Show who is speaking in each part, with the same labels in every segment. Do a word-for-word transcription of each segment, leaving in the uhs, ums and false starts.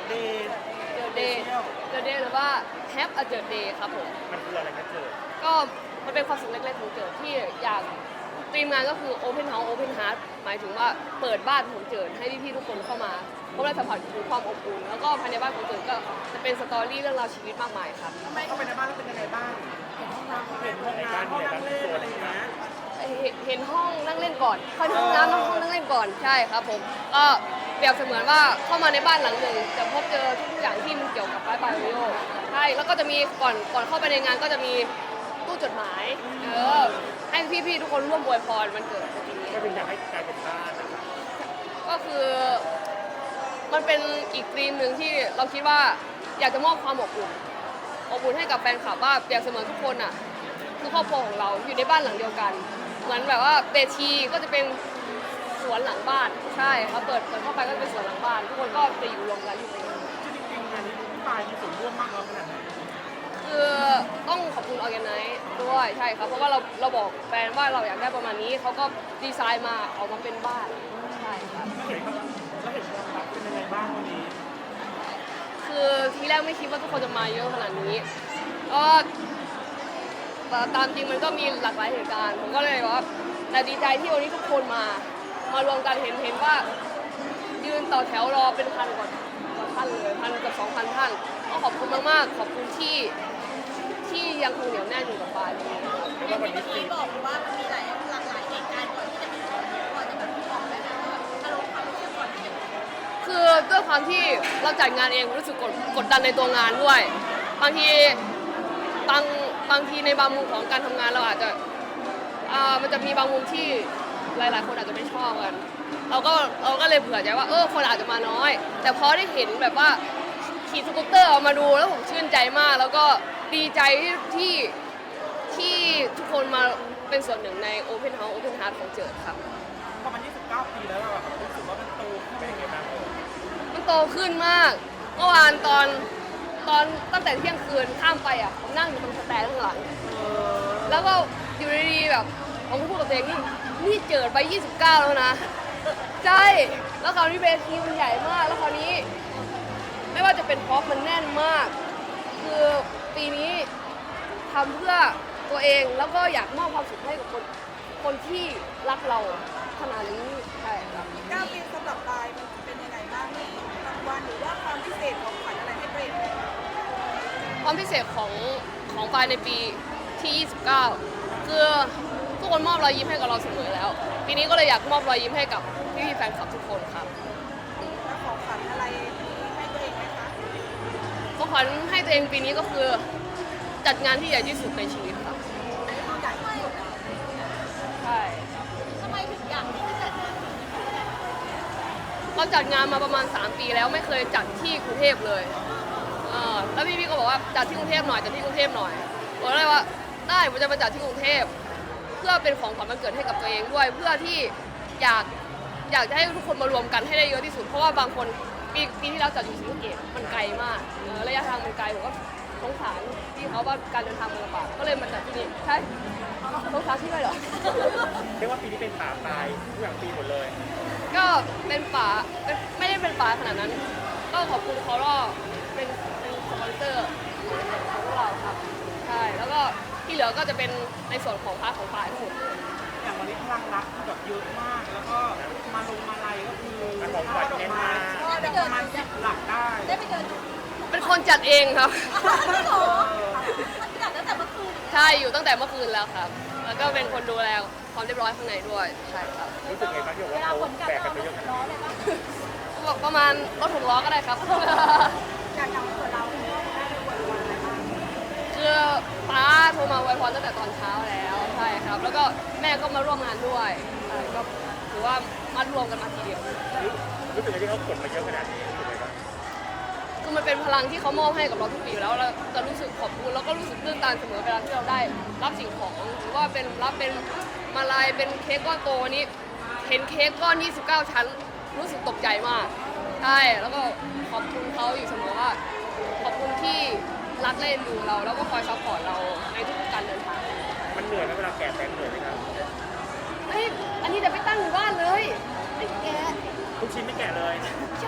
Speaker 1: เดย์
Speaker 2: เจอเดย์เจอเดย์หรือว่า Have a เจอเดย์ครับผม
Speaker 1: มันคืออะไรนะเจอ
Speaker 2: ก็มันเป็นความสุขเล็กๆของเจิดที่อยากทีมงานก็คือ Open House Open Heart หมายถึงว่าเปิดบ้านของเจิดให้พี่ๆทุกคนเข้ามาเพราะได้สัมผัสถึงความอบอุ่นแล้วก็ภายในบ้านของเจิดก็จะเป็นสตอรี่เรื่องราวชีวิตมากมายครับ
Speaker 1: ทำไมเข้าไปในบ้านแล้วเป็นยังไงบ้างเห็นห้องน้ำเห็นห้องน้ำห้องนั่งเล่นอะไรอย่างเงี้ย
Speaker 2: เห็นห้องนั่งเล่นก่อนเข้าห้องน้ำห้องนั่งเล่นก่อนใช่ครับผมก็เปรียบเสมือนว่าเข้ามาในบ้านหลังหนึ่งจะพบเจอทุกอย่างที่มันเกี่ยวกับไบไบโอใช่แล้วก็จะมีก่อนก่อนเข้าไปในงานก็จะมีตู้จดหมายเออให้พี่ๆทุกคนร่วมอวยพรวันเกิดปีนี้
Speaker 1: ก็เป็นอยากให้กลายเป็นบ้านนะครับ
Speaker 2: ก็คือมันเป็นอีกธีมหนึ่งที่เราคิดว่าอยากจะมอบความอบอุ่นอบอุ่นให้กับแฟนคลับว่าเปรียบเสมือนทุกคนอ่ะคือครอบครัวของเราอยู่ในบ้านหลังเดียวกันเหมือนแบบว่าเวทีก็จะเป็นสวนหลังบ้านใช่เขาเปิดเปิดเข้าไปก็จะเป็นสวนหลังบ้านทุกคนก็จะอยู่รวมกันอยู่ในนั้น
Speaker 1: จริงๆงานนี้พี่ปายมีส่วนร่วมมากน้อยขนาดไหน
Speaker 2: คือต้องขอบคุณออร์แกไนซ์ด้วยใช่ครับเพราะว่าเราเราบอกแฟนว่าเราอยากได้ประมาณนี้เขาก็ดีไซน์มาออกมาเป็นบ้านใช่ครับ
Speaker 1: แล้วเห็นแล้วเห็นความรักเป็นยังไงบ้างวันนี้
Speaker 2: คือทีแรกไม่คิดว่าทุกคนจะมาเยอะขนาดนี้ก็ตามจริงมันก็มีหลากหลายเหตุการณ์ผมก็เลยว่าแต่ดีใจที่วันนี้ทุกคนมามารวมกันเห็นเห็นว่ายืนต่อแถวรอเป็นพันกว่ากว่าท่านเลยพันกับสองพันท่านก็ขอบคุณมากๆขอบคุณที่ที่ยังคงเหนียวแน่นอยู่กับปาย
Speaker 1: แล้วก็วันนี้
Speaker 3: เมื่อกี้บอกว่ามันมีหลายหลากหลายเหตุการณ์ก่อนที่จะมีก่อนจะแบบบอกได้ไหมว่าอารมณ์ความรู้สึกก่อนที่จะมี
Speaker 2: คือด้วยความที่เราจัดงานเองรู้สึกกดกดดันในตัวงานด้วยบางทีบางบางทีในบางมุมของการทำงานเราอาจจะอ่ามันจะมีบางมุมที่หลาย ๆ คนอาจจะไม่ชอบกันเราก็เราก็เลยเผื่อใจว่าเออคนอาจจะมาน้อย แต่พอได้เห็นแบบว่าขี่สกูตเตอร์ออกมาดูแล้วผมชื่นใจมาก แล้วก็ดีใจที่ที่ทุกคนมาเป็นส่วนหนึ่งใน Open House Open Heart ของเจิดครับ
Speaker 1: พอมันยี่สิบเก้าปีแล้วเราแบบรู้สึกว่ามันโตขึ้นเป็นยังไงบ้าง
Speaker 2: มันโตขึ้นมากเมื่อวานตอนตอนตั้งแต่เที่ยงคืนข้ามไปอ่ะผมนั่งอยู่ตรงสแตนข้างหลัง แล้วก็อยู่ดีๆแบบผมก็พูดกับตัวเองนี่นี่เจิดไปยี่สิบเก้าแล้วนะใช่แล้วคราวนี้เวทีมันใหญ่มากแล้วคราวนี้ ไม่ว่าจะเป็นพ็อปมันแน่นมาก คือปีนี้ทำเพื่อตัวเองแล้วก็อยากมอบความสุขให้กับคนคนที่รักเราขนาดนี้ใช่ครับ
Speaker 3: เก้าปีสำหรับปายมันเป็นยังไงบ้างมีรางวัลหรือว่าความพิเศษของขวัญอะไรให้ตัวเองไหม
Speaker 2: ความพิเศษของของปายในปีที่ ยี่สิบเก้า คือทุกคนมอบรอยยิ้มให้กับเราเสมอแล้ว ปีนี้ก็เลยอยากมอบรอยยิ้มให้กับพี่ๆแฟนคลับทุกคนครับ
Speaker 3: แล้วของขวัญอะไรให้ตัวเองไหมคะ
Speaker 2: ของขวัญให้ตัวเองปีนี้ก็คือจัดงานที่ใหญ่ที่สุดในชีวิตครับ
Speaker 3: ใหญ่ที่สุดอะ
Speaker 2: ใช่
Speaker 3: ทำไมถึงอยากที่จะจัดงาน
Speaker 2: เราจัดงานมาประมาณ สาม ปีแล้วไม่เคยจัดที่กรุงเทพเลยเออแล้วพี่ๆก็บอกว่าจัดที่กรุงเทพหน่อยจัดที่กรุงเทพหน่อยผมก็เลยว่าได้ผมจะมาจัดที่กรุงเทพเพื่อเป็นของขวัญวันเกิดให้กับตัวเองด้วยเพื่อที่อยากอยากจะให้ทุกคนมารวมกันให้ได้เยอะที่สุดเพราะว่าบางคนปีปีที่เราจัดอยู่ศรีสะเกษมันไกลมากเออระยะทางมันไกลผมก็สงสารที่เขาว่าการเดินทางมันลำบากก็เลยมาจัดที่นี่ใช่สงสารที่ด้วยเหรอ
Speaker 1: เรียกว่าปีนี้เป็นป่าตายทุกอย่างปีหมดเลย
Speaker 2: ก็เป็นป๋าเป็นไม่ได้เป็นป๋าขนาดนั้น ก็ขอบคุณคอร์เป็นเป็นสปอนเซอร์ของพวกเราครับใช่แล้วก็ที่เหลือก็จะเป็นในส่วนของพาร์ทของป๋าทั้งหมดเลย
Speaker 1: อย่างวันนี้พลังรักคือแบบเยอะมาก แล้วก็มาลงมาลัยก็คือของขวัญเน้นมาประมาณสิบหลักได้
Speaker 3: ได้ไปเดินดู
Speaker 2: เป็นคนจัดเองครับ
Speaker 3: ไม่หรอมันจัดตั้งแต่เมื่อคืน
Speaker 2: ใช่อยู่ตั้งแต่เมื่อคืนแล้วครับ แล้วก็เป็นคนดูแลความเรียบร้อยข้างในด้วยใช่ครับ
Speaker 1: รู้สึกไงบ้างที่บอกว่าเขาแบกกันไปเยอะขนาด
Speaker 3: ร้อ
Speaker 1: นี้
Speaker 3: นเลยปะ
Speaker 2: บอกประมาณรถหกล้อก็ได้ครับ
Speaker 3: อยากทำส่วนเราได้ไปอวยพรอะไรบ้าง
Speaker 2: คือป้าโทรมาอวยพรตั้งแต่ตอนเช้าแล้วใช่ครับ แล้วก็แม่ก็มาร่วมงานด้วยใช่ก็ถือว่ามารวมกันมาทีเดียว
Speaker 1: รู้สึกไงที่เขาขนมาเยอะขนาดนี้รู้สึกไงบ้าง
Speaker 2: คือมันเป็นพลังที่เขามอบให้กับเราทุกปีอยู่แล้วเราจะรู้สึกขอบคุณแล้วก็รู้สึกตื้นตันเสมอเวลาที่เราได้รับสิ่งของหรือว่าเป็นรับเป็นมาลัยเป็นเค้กก้อนโตวันนี้เห็นเค้กก้อน ยี่สิบเก้า ชั้น รู้สึกตกใจมากใช่แล้วก็ขอบคุณเขาอยู่เสมอว่าขอบคุณที่รักและเอ็นดูเราแล้วก็คอยซัพพอร์ตเราในทุกๆการเดินทาง
Speaker 1: มันเหนื่อยไหมเวลาแกะแบงค์เหนื่อยไหมครับ
Speaker 2: เฮ้ยอันนี้จะไปตั้งอยู่บ้านเลยไอ้แก
Speaker 1: คุ
Speaker 4: ลูกชิ้นไม่แกะเลย
Speaker 2: ใช่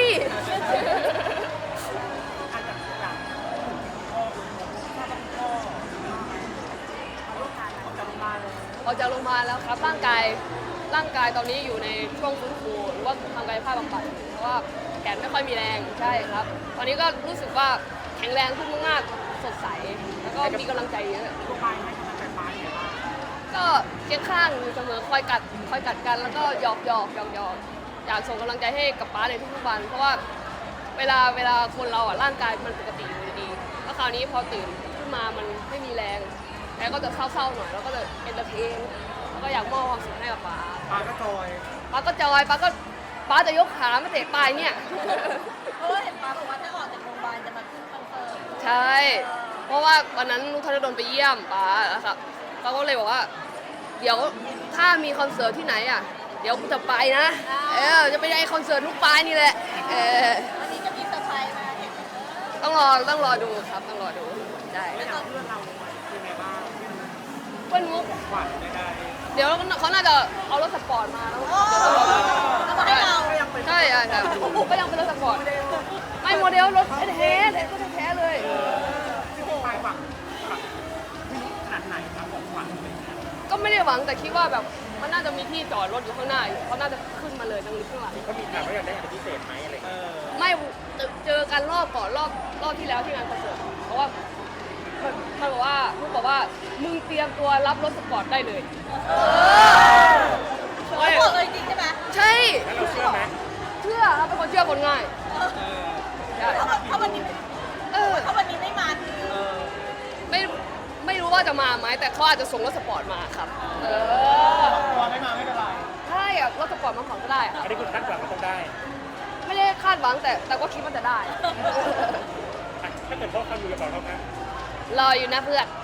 Speaker 1: อาจจะแบบพ่อถ้าเป็นพ่อเขาต้องการเขาจะมาเลย
Speaker 2: ออกจากโรงพยาบาลแล้วครับร่างกายร่างกายตอนนี้อยู่ในช่วงฟื้นฟูหรือว่าทำกายภาพบำบัดเพราะว่าแขนไม่ค่อยมีแรงใช่ครับ ตอนนี้ก็รู้สึกว่าแข็งแรงขึ้นมากๆสดใสแล้วก็มีกำลังใจเยอะ
Speaker 1: ตัวปลายให้กำลังใจปลายไงบ้าง
Speaker 2: ก็เคียงข้างอยู่เสมอคอยกัดคอยกัดกันแล้วก็หยอกหยอกหยอกหยอกอยากส่งกำลังใจให้กับป้าในทุกๆวัน เพราะว่าเวลาเวลาคนเราอ่ะร่างกายมันปกติอยู่ดีๆแล้วคราวนี้พอตื่นขึ้นมามันไม่มีแรงแล้วก็จะเศร้าๆหน่อยแล้วก็จะเอนเตอร์เทนแล้วก็อยากมอบความสุขให้กับป้า
Speaker 1: ปลาก็จอย
Speaker 2: ป้าก็จอยป้าก็ป้าจะยกขาไม่เตะปลายเนี่ย
Speaker 3: เพราะว่าเห็นป้าบอกว่าถ้าออกจากโรงพยาบาลจะมาขึ้นคอนเสิร์ต
Speaker 2: ใช่ เพราะว่าวันนั้นนุกธนดลไปเยี่ยมป้าแล้วครับป้าก็เลยบอกว่า เดี๋ยวถ้ามีคอนเสิร์ตที่ไหนอ่ะ เดี๋ยวกูจะไปนะ เออ จะไปไอคอนเสิร์ตนุกปลายนี่แหละ เออ
Speaker 3: วันนี้จะมีเซอร์ไพรส์มาเห็นไหม
Speaker 2: ต้องรอต้องรอดูครับ ต้องรอดูได้
Speaker 1: แล้วอย่างเพื่อนเราเป็นไงบ้าง
Speaker 2: เพื่อนมุก
Speaker 1: หวานได้
Speaker 2: เดี๋ยวเขาน่าจะเอารถสปอร์ตมาแล้ว
Speaker 3: เอามาให้เรา
Speaker 2: ใช่ใช่ใช่ก็ยังเป็นรถสปอร์ต ไม่โมเดลรถแท้ๆเลยรถแท้ๆเลย
Speaker 1: ที่ปลายหวังแบบขนาดไหนครับของหวานอะไรเงี้ย
Speaker 2: ก็ไม่ได้หวังแต่คิดว่าแบบมันน่าจะมีที่จอดรถอยู่ข้างหน้าอยู่เขาน่าจะขึ้นมาเลยตรงนี้ข้างหลัง
Speaker 4: เขามีถามว่าอยากได้อะไรพิเศษไหมอะไร
Speaker 1: เอ
Speaker 4: เงี้ย
Speaker 1: อ
Speaker 2: ไม่เจอกันรอบก่อนรอบรอบที่แล้วที่งานคอนเสิร์ตเพราะว่ามันมันบอกว่าพูดบอกว่ามึงเตรียมตัวรับรถสปอร์ตได้เลย
Speaker 3: เขาบอกเลยจริงใช่ไหม
Speaker 2: ใช่
Speaker 4: แล้วเราเชื่อไหม
Speaker 2: เชื่อครับเป็นคนเชื่อคนง่ายใช่
Speaker 3: ถ้าถ้าวันนี้
Speaker 2: เออ
Speaker 3: ถ้าวันนี้ไม่มาคือ
Speaker 2: ไม่ไม่รู้ว่าจะมาไหมแต่เขาอาจจะส่งรถสปอร์ตมาครับเออ
Speaker 1: ตัวไม่มาไม่เป็นไร
Speaker 2: ใช่อะรถสปอร์ตมาก่อนก็ได้อะ
Speaker 4: อันนี้คุณคาดหวังว่าต้องได้
Speaker 2: ไม่ได้คาดหวังแต่แต่ก็คิดว่าจะได้
Speaker 4: อ่ะถ้าเกิดพ่อเขาอยู่จะบอกเขาไหม
Speaker 2: รออยู่นะเพื่อน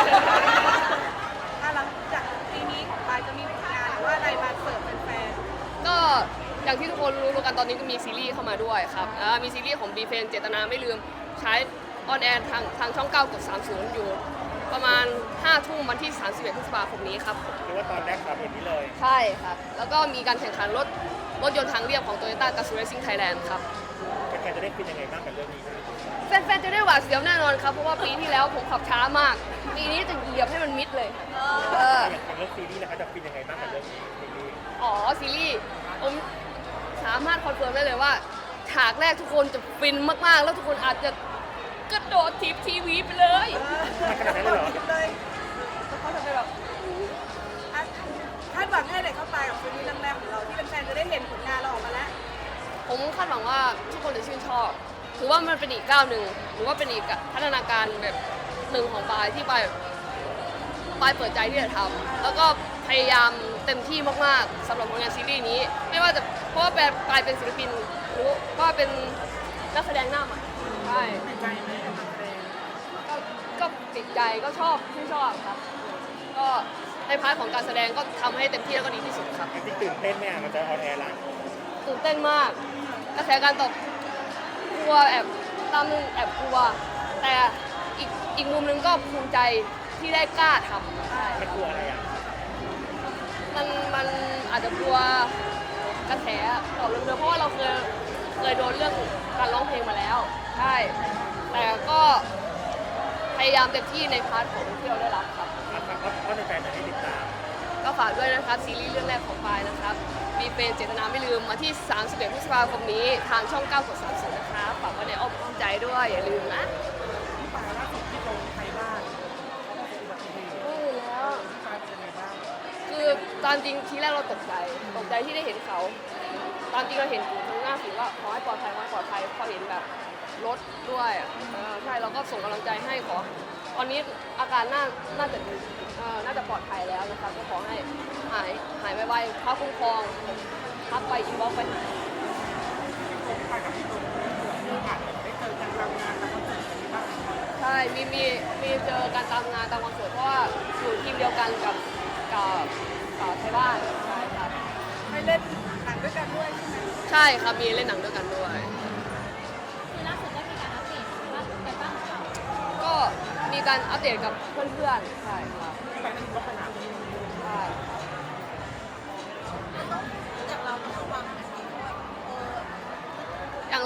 Speaker 3: ถ้าหลังจากปีนี้ของปายจะมีผลงานหรือว่าอะไรมาเสิร์ฟแฟน
Speaker 2: ก็อย่างที่ทุกคนรู้ๆกันตอนนี้ก็มีซีรีส์เข้ามาด้วยครับอ่ามีซีรีส์ของบีเฟนเจตนาไม่ลืมใช้ออนแอร์ทางทางช่องเก้ากดสามสิบอยู่ ประมาณห้าทุ่มวันที่สามสิบเอ็ดพฤษภาคมนี้ครับ
Speaker 4: หรือว่าตอนแรกครับเห็นนี้เลย
Speaker 2: ใช่ครับ แล้วก็มีการแข่งขันรถรถยนต์ทางเรียบของ Toyota g a z o o Racing Thailand ครับ
Speaker 4: แฟนๆจะได้ฟินยังไงบ้างกับเรื่องนี้ครับ
Speaker 2: แฟนๆจะได้หวาดเสียวแน่นอนครับเพราะว่าปีที่แล้วผมขับช้ามากปีนี้จะเหยียบให้มันมิดเลยเออ
Speaker 4: อย่างเรื่องซีรีส์นะคะจะฟินยังไงบ้างกับเรื่องนี้ซีรีส์
Speaker 2: อ๋อซีรีส์ผมสามารถคอนเฟิร์มได้เลยว่าฉากแรกทุกคนจะฟินมากๆ แล้วทุกคนอาจจะกระโดดทีบทีวีไปเลย
Speaker 4: มันขนาดนั้นเลยเหรอ
Speaker 3: เลย
Speaker 2: แล้วเขาจะไปแบบ
Speaker 3: คาดหวังให้ไหนเข้าไปกับซีรีส์เรื่องแรกของเราที่แฟนๆจะได้เห็นผลงานเราออกมาแล้ว
Speaker 2: ผมคาดหวังว่าทุกคนจะชื่นชอบ ถือว่ามันเป็นอีกก้าวหนึ่งหรือว่าเป็นอีกพัฒนาการแบบหนึ่งของปายที่ปายปายเปิดใจที่จะทำแล้วก็พยายามเต็มที่มากๆสำหรับผลงานซีรีส์นี้ ไม่ว่าจะเพราะว่าปายเป็นศิลปินหรือว่าเป็นนักแสดงหน้าใหม่ใช่
Speaker 1: ติดใจไหมกับนักแสดง
Speaker 2: ก็ก็ติดใจก็ชอบชื่นชอบครับ ก็ในพาร์ทของการแสดงก็ทำให้เต็มที่แล้วก็ดีที่สุดครับ
Speaker 4: จริงๆตื่นเต้นไหมอ่ะมันจะออนแอร์ละ
Speaker 2: ตื่นเต้นมากกระแสการตอบกลัวแอบตามนึงแอบกลัว แต่อีกอีกมุมนึงก็ภูมิใจที่ได้กล้าทำใช่
Speaker 4: มันกลัวอะไรอ่ะ
Speaker 2: มันมันอาจจะกลัวกระแสตอบเดิมๆเพราะว่าเราเคยเคยโดนเรื่องการร้องเพลงมาแล้วใช่แต่ก็พยายามเต็มที่ในพาร์ทของที่เราได้รับครับ
Speaker 4: ครับเพราะเพราะแฟนๆจะได้ติดตาม
Speaker 2: ก็ฝากด้วยนะครับซีรีส์เรื่องแรกของปายนะครับมีเป็นเจตนาไม่ลืมมาที่สามสิบเอ็ดพฤษภาคมนี้ทางช่องเก้ากดสามสิบนะครับฝากไว้ในอ้อมอกอ้อมใจด้วยอย่าลืมนะ
Speaker 1: ที่ปลายล่าสุดที่ลงไทยบ้านอุบัติเหตุ
Speaker 2: เออแล้ว
Speaker 1: ปลายเป็นยังไงบ้าง
Speaker 2: คือตามจริงทีแรกเราตกใจตกใจที่ได้เห็นเขา ตามจริงเราเห็นอยู่ข้างหน้าสิว่าขอให้ปลอดภัยขอให้ปลอดภัยพอเห็นแบบรถด้วยอ่ะเออใช่เราก็ส่งกำลังใจให้ขอตอนนี้อาการน่าน่าจะดีเออน่าจะปลอดภัยแล้วนะครับก็ขอให้หายหายไวๆพระคุ้มครองทักไปอินบ็อกซ์ไปหา
Speaker 1: ไปกับพี่ตูนมีโอกาสได้เจอกันทำงานกับคอนเสิร์ตนี้บ้างไหมครับ
Speaker 2: ใช่มีมีมีเจอกันตามงานตามคอนเสิร์ตเพราะว่าอยู่ทีมเดียวกันกับกับกับไทยบ้านใช่ครับ
Speaker 3: ไปเล่นหนังด้วยกันด้วยใช่ไหม
Speaker 2: ใช่ครับมีเล่นหนังด้วยกันด้วย
Speaker 3: คือล่าสุดได้มีการอัปเดตว่าไปบ้างหรือเปล่า
Speaker 2: ก็มีการอัปเดตกับเพื่อนๆใช่ครับ
Speaker 1: ที่ไปนั่นก็ไปหาพี่
Speaker 2: ใช่
Speaker 3: จากเราต้องระวังนะคะเพราะว่า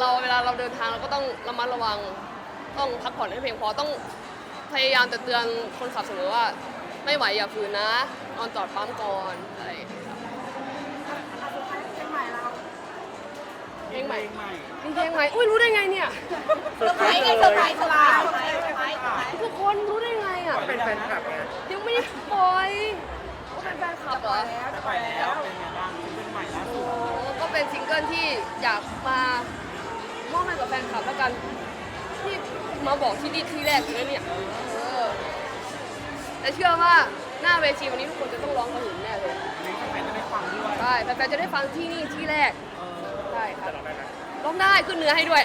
Speaker 2: เราเวลาเราเดินทางเราก็ต้องระมัดระวังต้องพักผ่อนให้เพียงพอต้องพยายามจะเตือนคนขับเสมอว่าไม่ไหวอย่าฝืนนะนอนจอดปั๊มก่อนอะไรอย่างเงี้ยครับ
Speaker 3: อ่ะสุดท้ายเพลงใหม่เรา
Speaker 2: เพลงใหม่
Speaker 1: ใหม่
Speaker 2: มีเพลงใหม่อุ้ยรู้ได้ไงเนี่ย
Speaker 3: เซอร์ไพรส์ไงเซอร์ไพรส์เซอร์ไพรส์เซอร์ไพรส์เซอร์ไพรส์เซอร์ไพรส์
Speaker 2: ทุกคนรู้ได้ไงอ่ะ
Speaker 4: เป็นแฟนคลับไง
Speaker 2: ยังไม่ได้ปล่อยก็เป็นแฟนคลับเหรอ
Speaker 1: จะไปแล้วเป็นไงบ้างเป็นใหม่ล่าสุ
Speaker 2: โอ้
Speaker 1: ด
Speaker 2: ก็เป็นซิงเกิลที่อยากมามอบให้กับแฟนคลับแล้วกันที่มาบอกที่นี่ที่แรกเลยนะเนี่ยเออแต่เชื่อว่าหน้าเวทีวันนี้ทุกคนจะต้องร้องกระหึ่มแน่เลย
Speaker 1: อันนี้แฟนๆจะได้ฟังด้วย
Speaker 2: ใช่แฟนๆจะได้ฟังที่นี่ที่แรก
Speaker 1: เออ
Speaker 2: ใช่ครับ
Speaker 4: จะร้องได้ไหม
Speaker 2: ร้องได้ขึ้นเนื้อให้ด้วย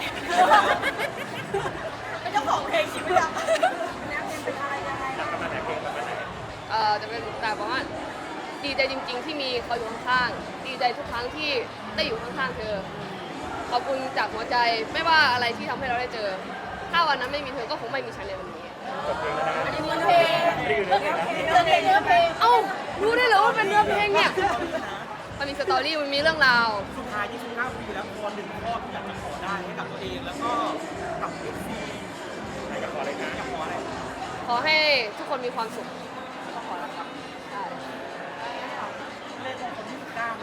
Speaker 3: เป็นเจ้าของเพลงชีวิตอะแนวเพลงเป็นอะไรยังไง
Speaker 4: หลักประมาณไหนเพลงประมาณไหน
Speaker 2: เอ่อจะเป็นแต่ว่าดีใจจริง ๆ ที่มีเขาอยู่ข้างๆดีใจทุกครั้งที่ได้อยู่ข้างๆเธอขอบคุณจากหัวใจไม่ว่าอะไรที่ทำให้เราได้เจอ ถ้าวันนั้นไม่มีเธอก็คงไม่มีฉันในวันนี้
Speaker 4: จบเพลงแล้วนะ
Speaker 3: อันนี้เนื้อเพลง
Speaker 4: นี่คือเรื่องเพลงนะ
Speaker 3: เนื้อเพลงเนื้อเพลง
Speaker 2: เอ้ารู้ได้เหรอว่าเป็นเนื้อเพลงเนี่ยมันมีสตอรี่มันมีเรื่องราว
Speaker 1: สุดท้ายยี่สิบเก้าปีแล้วพอหนึ่งข้อที่อยากจะขอได้ให้กับตัวเองแล้วก็กับเอฟซี
Speaker 4: ไหนจะขอเลยนะ
Speaker 1: อยากขออะไร
Speaker 2: ขอให้ทุกคนมีความสุขก็พอแล้วครับใช่
Speaker 1: เล่นของคนที่สิบเก้าไหม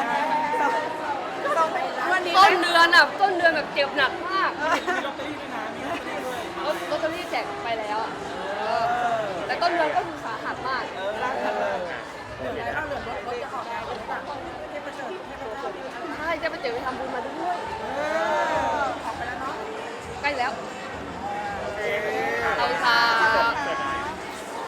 Speaker 3: วันนี้
Speaker 2: ต้นเดือนอ่ะต้นเดือนแบบเจ็บหนักมาก
Speaker 1: มีลอตเตอรี่ด้วยนะมีลอตเตอรี่ด้วย
Speaker 2: ลอตลอตเตอรี่แจกไปแล้วอะเออแต่ต้นเดือนก็คือสาหัสมาก
Speaker 1: เออรักกันเลย
Speaker 3: เหลือแล้วเหลือรถจะออกงานหรือเปล่าให้ประเสริฐให้ประเสริฐ
Speaker 2: ใช่จะไปเจอไปทำบุญมาด้วย